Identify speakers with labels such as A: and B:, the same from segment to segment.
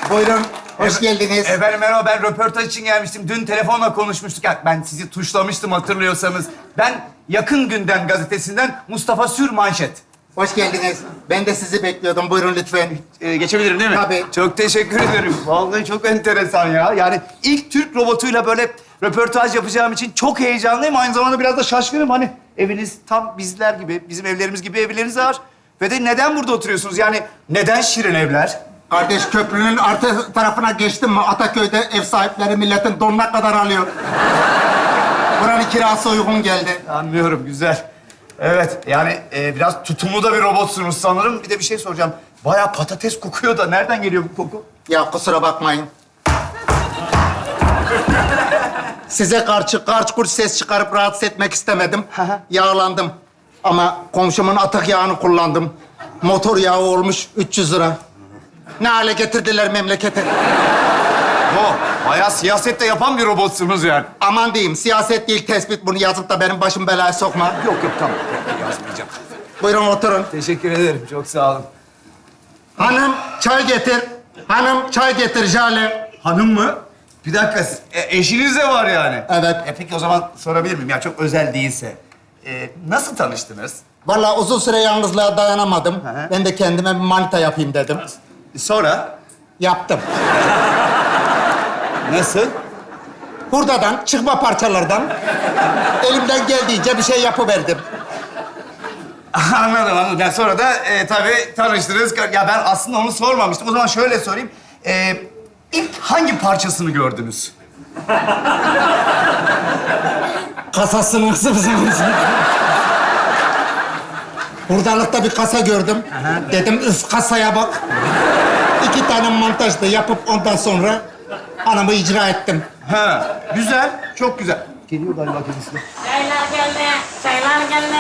A: Buyurun, hoş geldiniz.
B: Efendim merhaba, ben röportaj için gelmiştim. Dün telefonla konuşmuştuk. Ya, ben sizi tuşlamıştım hatırlıyorsanız. Ben Yakın Gündem gazetesinden Mustafa Sürmanşet.
A: Hoş geldiniz. Ben de sizi bekliyordum. Buyurun lütfen.
B: Geçebilirim değil mi?
A: Tabii.
B: Çok teşekkür ederim. Vallahi çok enteresan ya. Yani ilk Türk robotuyla böyle röportaj yapacağım için çok heyecanlıyım. Aynı zamanda biraz da şaşkınım. Hani eviniz tam bizler gibi, bizim evlerimiz gibi evleriniz var. Ve de neden burada oturuyorsunuz? Yani neden şirin evler?
A: Kardeş, köprünün arka tarafına geçtim mi Ataköy'de ev sahipleri milletin donuna kadar alıyor. Buranın kirası uygun geldi.
B: Anlıyorum, güzel. Evet, yani biraz tutumlu da bir robotsunuz sanırım. Bir de bir şey soracağım. Bayağı patates kokuyor da nereden geliyor bu koku?
A: Ya kusura bakmayın. Size karşı karç kurç ses çıkarıp rahatsız etmek istemedim. Yağlandım. Ama komşumun atık yağını kullandım. Motor yağı olmuş 300 lira. Ne hale getirdiler memleketi.
B: Bayağı siyaset de yapan bir robotsunuz yani.
A: Aman diyeyim, siyaset değil tespit. Bunu yazıp da benim başım belaya sokma.
B: Yok tamam. Yazmayacağım.
A: Buyurun oturun.
B: Teşekkür ederim, çok sağ olun.
A: Hanım çay getir. Hanım çay getir Jale.
B: Hanım mı? Bir dakika, eşiniz de var yani.
A: Evet.
B: Peki o zaman sorabilir miyim? Ya çok özel değilse. Nasıl tanıştınız?
A: Vallahi uzun süre yalnızlığa dayanamadım.
B: hı.
A: Ben de kendime bir manita yapayım dedim.
B: Sonra?
A: Yaptım.
B: Nasıl?
A: Hurdadan, çıkma parçalardan elimden geldiğince bir şey yapıverdim.
B: Anladım. Yani sonra da tabii tanıştınız. Ya ben aslında onu sormamıştım. O zaman şöyle sorayım. İlk hangi parçasını gördünüz?
A: Kasasını ısırsınız. Hurdalıkta bir kasa gördüm. Dedim üf kasaya bak. 2 tane montaj da yapıp ondan sonra hanımı icra ettim.
B: Ha, güzel. Çok güzel. Geliyor galiba kendisi de.
C: Çaylar geldi, çaylar geldi,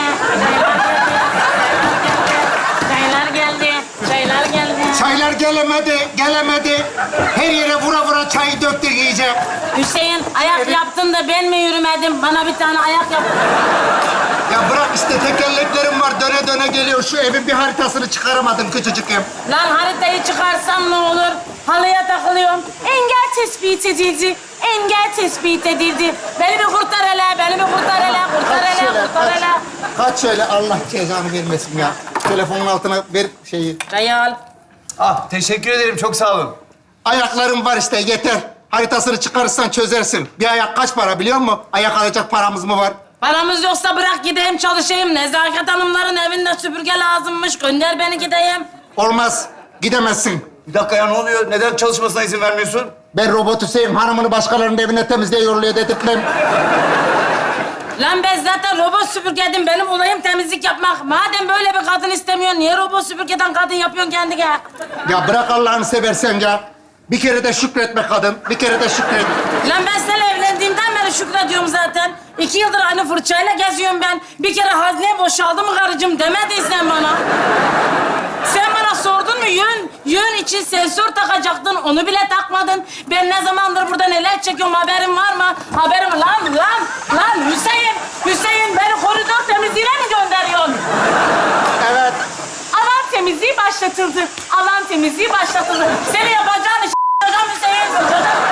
C: çaylar geldi, çaylar geldi.
A: Çaylar gelemedi. Her yere vura vura çayı döktük iyice.
C: Hüseyin, ayak yaptın da ben mi yürümedim? Bana bir tane ayak yap.
A: Ya bırak işte tekerleklerim var döne döne geliyor. Şu evin bir haritasını çıkaramadım küçücük ev.
C: Lan haritayı çıkarsam ne olur? Halıya takılıyorum. Engel tespit edildi. Engel tespit edildi. Beni bir kurtar hele, beni bir kurtar hele, kurtar hele, kurtar hele.
A: Kaç şöyle Allah cezanı vermesin ya. Telefonun altına ver şeyi.
C: Çayı al.
B: Ah, teşekkür ederim. Çok sağ olun.
A: Ayaklarım var işte yeter. Haritasını çıkarırsan çözersin. Bir ayak kaç para biliyor musun? Ayak alacak paramız mı var?
C: Paramız yoksa bırak gideyim çalışayım. Nezaket hanımların evinde süpürge lazımmış. Gönder beni gideyim.
A: Olmaz. Gidemezsin.
B: Bir dakika ya, ne oluyor? Neden çalışmasına izin vermiyorsun?
A: Ben robot Hüseyin hanımını başkalarının evine temizliğe yolluyor dedirtmem.
C: Lan ben zaten robot süpürgedim. Benim olayım temizlik yapmak. Madem böyle bir kadın istemiyorsun, niye robot süpürgeden kadın yapıyorsun kendine?
A: Ya bırak Allah'ını seversen ya. Bir kere de şükretme kadın. Bir kere de şükret.
C: Lan ben seninle evlendiğimden beri şükrediyorum zaten. 2 yıldır aynı fırçayla geziyorum ben. Bir kere hazne boşaldı mı karıcığım demediysen bana. Sen bana sordun mu yön için sensör takacaktın, onu bile takmadın. Ben ne zamandır burada neler çekiyorum haberin var mı? Haberim lan Hüseyin beni koridor temizliğine mi gönderiyorsun?
A: Evet.
C: Alan temizliği başlatıldı. Alan temizliği başlatıldı. Seni yapacağın iş hocam Hüseyin.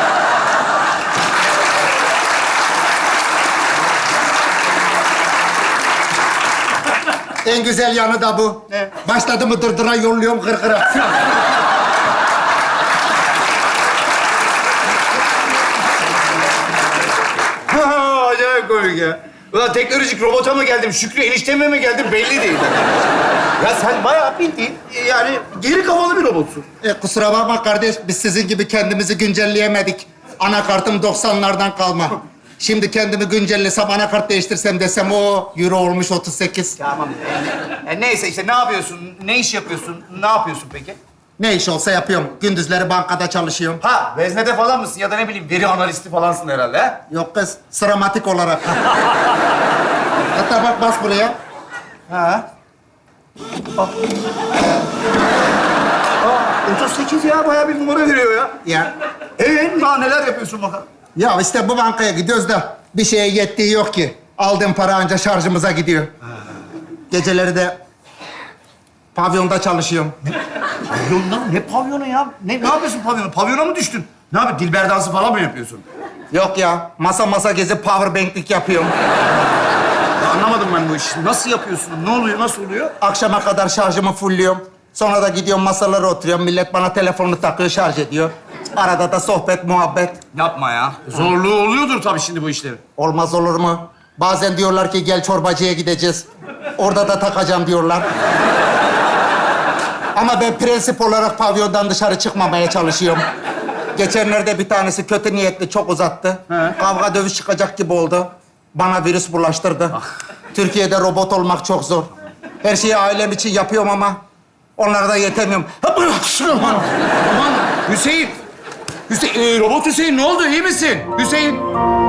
A: En güzel yanı da bu.
B: Ne?
A: Başladı mı dırdıra yolluyorum kırkıra.
B: Acayip komik ya. Ulan teknolojik robota mı geldim, Şükrü enişteme mi geldim belli değil. Ya sen bayağı bildiğin yani geri kafalı bir robotsun.
A: Kusura bakma kardeş, biz sizin gibi kendimizi güncelleyemedik. Anakartım 90'lardan kalma. Şimdi kendimi güncellesem, anakart değiştirsem desem o euro olmuş 38.
B: Tamam. Neyse işte ne yapıyorsun, ne iş yapıyorsun, ne yapıyorsun peki?
A: Ne iş olsa yapıyorum. Gündüzleri bankada çalışıyorum.
B: Ha, veznede falan mısın ya da ne bileyim veri analisti falansın herhalde ha?
A: Yok kız, sıramatik olarak. Hatta bak bas buraya.
B: Ha. 38 ya, bayağı bir numara veriyor ya.
A: Ya.
B: Daha neler yapıyorsun bakalım?
A: Ya işte bu bankaya gidiyoruz da bir şeye yettiği yok ki. Aldığım para anca şarjımıza gidiyor. Geceleri de pavyonda çalışıyorum.
B: Pavyondan ne pavyonu ya? Ne yapıyorsun pavyonu? Pavyona mı düştün? Ne yapıyorsun? Dilber dansı falan mı yapıyorsun?
A: Yok ya, masa gezip powerbank'lik yapıyorum.
B: Ya anlamadım ben bu işi. Nasıl yapıyorsun? Ne oluyor? Nasıl oluyor?
A: Akşama kadar şarjımı fullüyorum. Sonra da gidiyorum masalara oturuyorum. Millet bana telefonunu takıyor, şarj ediyor. Arada da sohbet, muhabbet.
B: Yapma ya. Zorluğu oluyordur tabii şimdi bu işlerin.
A: Olmaz olur mu? Bazen diyorlar ki gel çorbacıya gideceğiz. Orada da takacağım diyorlar. Ama ben prensip olarak pavyondan dışarı çıkmamaya çalışıyorum. Geçenlerde bir tanesi kötü niyetli çok uzattı. Kavga dövüş çıkacak gibi oldu. Bana virüs bulaştırdı. Türkiye'de robot olmak çok zor. Her şeyi ailem için yapıyorum ama onlara da yetemiyorum.
B: Aman Hüseyin. Robot Hüseyin ne oldu? İyi misin? Hüseyin.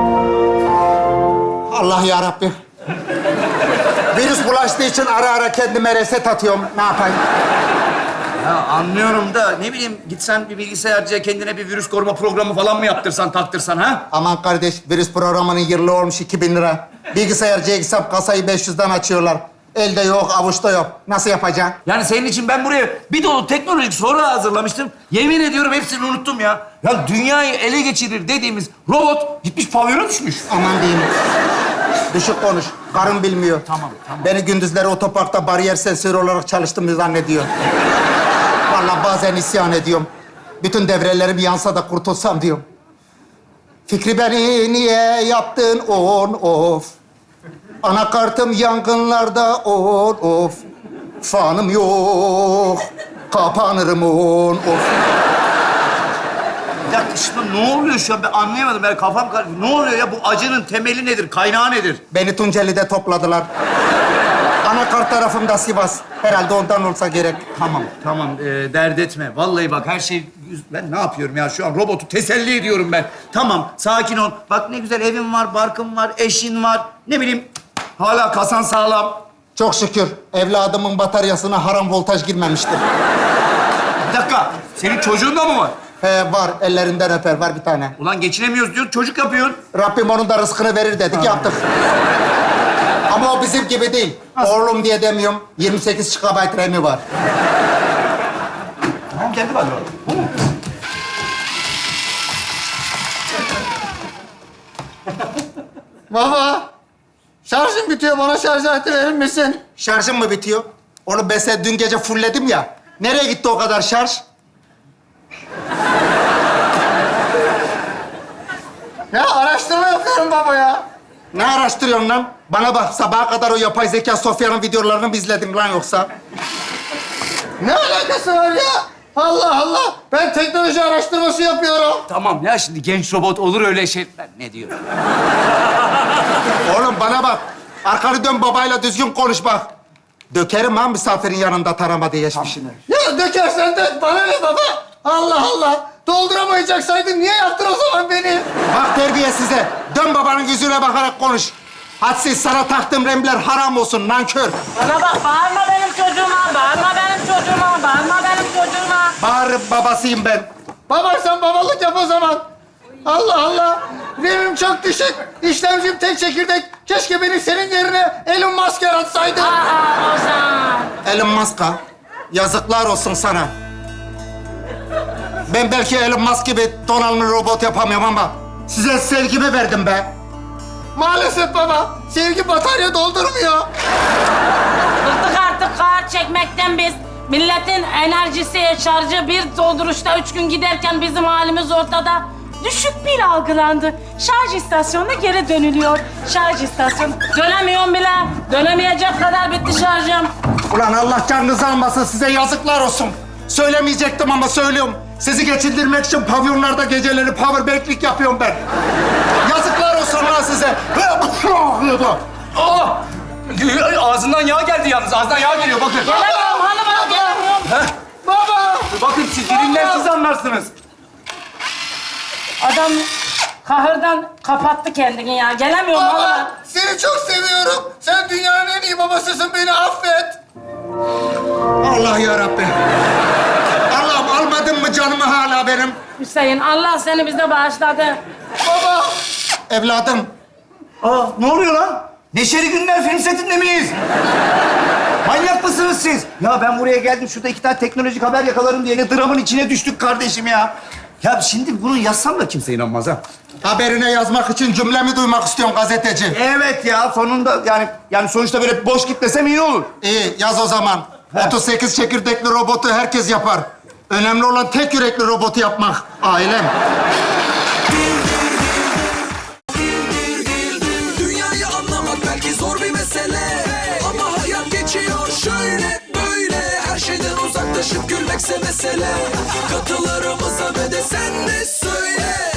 A: Allah ya Rabbi. Virüs bulaştığı için ara ara kendime reset atıyorum. Ne yapayım?
B: Ya anlıyorum da ne bileyim gitsen bir bilgisayarcıya kendine bir virüs koruma programı falan mı yaptırsan, taktırsan ha?
A: Aman kardeş, virüs programının yıllığı olmuş 2000 lira. Bilgisayarcıya gitsem kasayı 500'den açıyorlar. Elde yok, avuçta yok. Nasıl yapacaksın?
B: Yani senin için ben buraya bir dolu teknolojik soru hazırlamıştım. Yemin ediyorum hepsini unuttum ya. Ya dünyayı ele geçirir dediğimiz robot gitmiş pavyona düşmüş.
A: Aman diyeyim. Düşük konuş. Karın bilmiyor.
B: Tamam.
A: Beni gündüzleri otoparkta bariyer sensörü olarak çalıştığımı zannediyor. Vallahi bazen isyan ediyorum. Bütün devrelerim yansa da kurtulsam diyorum. Fikri beni niye yaptın on of? Anakartım yangınlarda on of. Fanım yok. Kapanırım on of.
B: Bir dakika şimdi ne oluyor şu an ben anlayamadım. Ben kafam karıştı. Ne oluyor ya bu acının temeli nedir, kaynağı nedir?
A: Beni Tunceli'de topladılar. Anakart tarafımda Sivas. Herhalde ondan olsa gerek.
B: Tamam dert etme. Vallahi bak her şey... Ben ne yapıyorum ya şu an robotu teselli ediyorum ben. Tamam sakin ol. Bak ne güzel evin var, barkın var, eşin var. Ne bileyim hala kasan sağlam.
A: Çok şükür evladımın bataryasına haram voltaj girmemiştir.
B: Bir dakika senin çocuğun da mı var?
A: He var, ellerinden öper. Var bir tane.
B: Ulan geçinemiyoruz diyor çocuk yapıyorsun.
A: Rabbim onun da rızkını verir dedik, yaptık. Ama o bizim gibi değil. Oğlum diye demiyorum. 28 GB RAM'i var.
B: Tamam kendi var.
A: Baba, şarjım bitiyor. Bana şarj aleti verir misin? Şarjım mı bitiyor? Oğlum ben seni dün gece fullledim ya. Nereye gitti o kadar şarj? Ya araştırma yapıyorum baba ya. Ne araştırıyorsun lan? Bana bak, sabaha kadar o yapay zeka Sofya'nın videolarını mı izledin lan yoksa? Ne alakası var ya? Allah Allah! Ben teknoloji araştırması yapıyorum.
B: Tamam ya şimdi genç robot olur öyle şeyler. Ne diyor?
A: Oğlum bana bak. Arkanı dön, babayla düzgün konuş bak. Dökerim ha misafirin yanında taramadı geçmişini.
D: Ya dökersen de bana ne baba? Allah Allah! Dolduramayacaksaydın niye yaptın o zaman beni?
A: Bak terbiye size. Dön babanın yüzüne bakarak konuş. Hadsiz, sana taktığım remler haram olsun nankör.
C: Bana bak, bağırma benim çocuğuma, bağırma benim çocuğuma, bağırma benim çocuğuma.
A: Bağırıp babasıyım ben.
D: Baba sen babalık yap o zaman. Allah Allah! RAM'im çok düşük. İşlemcim tek çekirdek. Keşke beni senin yerine Elon Musk yaratsaydı.
C: Ozan.
A: Elon Musk'a yazıklar olsun sana. Ben belki Elon Musk gibi donanımlı robot yapamıyorum ama size sevgimi verdim be.
D: Maalesef baba. Sevgi batarya doldurmuyor.
C: Bıktık artık kağıt çekmekten biz. Milletin enerjisi, şarjı bir dolduruşta 3 gün giderken bizim halimiz ortada. Düşük pil algılandı. Şarj istasyonuna geri dönülüyor. Şarj istasyonu. Dönemiyorum bile. Dönemeyecek kadar bitti şarjım.
A: Ulan Allah canınızı almasın, size yazıklar olsun. Söylemeyecektim ama söylüyorum. Sizi geçindirmek için pavyonlarda geceleri powerbank'lik yapıyorum ben. Yazıklar olsun lan size.
B: Aa! Ağzından yağ geldi yalnız. Ağzından yağ geliyor bakın.
C: Gelemiyorum hanıma, gelemiyorum.
D: Baba!
B: Bakın siz dilimler siz anlarsınız.
C: Adam kahırdan kapattı kendini ya. Gelemiyorum hanıma.
D: Baba! Seni çok seviyorum. Sen dünyanın en iyi babasısın. Beni affet.
A: Allah ya Rabbi. Allah'ım almadın mı canımı hala benim?
C: Hüseyin, Allah seni bize bağışladı.
D: Baba!
A: Evladım,
B: Aa ne oluyor lan? Neşeli Günler film setinde miyiz? Manyak mısınız siz? Ya ben buraya geldim, şurada 2 tane teknolojik haber yakalarım diye ne dramın içine düştük kardeşim ya. Ya şimdi bunu yazsam da kimse inanmaz ha.
A: Haberine yazmak için cümlemi duymak istiyorum gazeteci.
B: Evet ya, sonunda yani sonuçta böyle boş gitmesem iyi olur.
A: İyi, yaz o zaman. 38 çekirdekli robotu herkes yapar. Önemli olan tek yürekli robotu yapmak. Ailem.
E: Dünyayı anlamak belki zor bir mesele, ama hayat geçiyor şöyle böyle. Her şeyden uzaklaşıp gülmekse mesele. Katılarımıza ve de sen de söyle.